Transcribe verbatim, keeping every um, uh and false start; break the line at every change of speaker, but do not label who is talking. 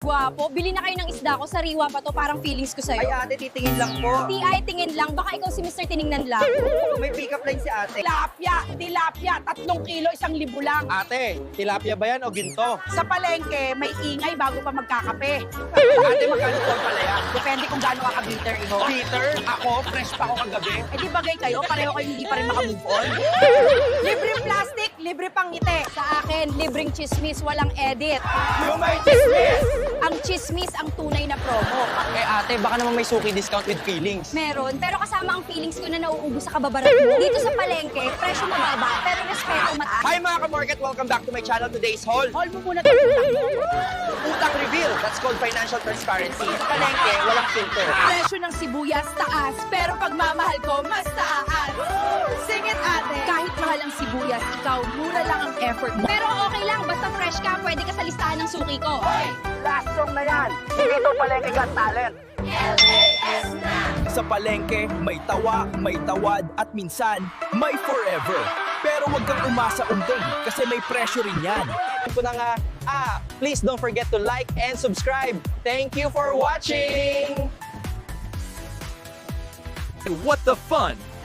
Gwapo, bili na kayo ng isda ko. Sariwa pa to, parang feelings ko sa'yo.
Ay ate, titingin lang po.
T I, tingin lang. Baka ikaw si Mister Tiningnan lang.
May pick-up line si ate.
Tilapia, tilapia, tatlong kilo, isang libo lang.
Ate, tilapia ba yan o ginto?
Sa palengke, may ingay bago pa magkakape.
Ate, magkano po pala yan?
Depende kung gaano ka ka-bitter, iho.
Peter, ako, fresh pa ako kagabi.
Eh di bagay kayo, pareho kayo hindi pa rin makamove on. Libre plastic, libre pang ngiti.
Sa akin, libreng chismis, walang edit.
Yung may chismis!
Ang chismis ang tunay na promo.
Eh ate, baka naman may suki discount with feelings.
Meron, pero kasama ang feelings ko na nauubos sa kababarat mo. Dito sa palengke, presyo mababa, pero respeto mataas.
Hi mga ka-market! Welcome back to my channel. Today's haul.
Hold mo muna ito.
Utang reveal. That's called financial transparency. Sa palengke, walang filter.
Presyo ng sibuyas taas, pero pagmamahal ko mas taas. Sing it, ate. Kahit mahal ang sibuyas, ikaw, mura lang ang effort mo.
Pero okay lang, basta fresh ka, pwede ka sa listahan ng suki ko.
Last song na yan. Dito palengke got talent.
Sa palengke, may tawa, may tawad, at minsan, may forever. Pero wag kang umasa unding kasi may pressure rin yan.
Ko na nga, ah, please don't forget to like and subscribe. Thank you for watching!
What the fun?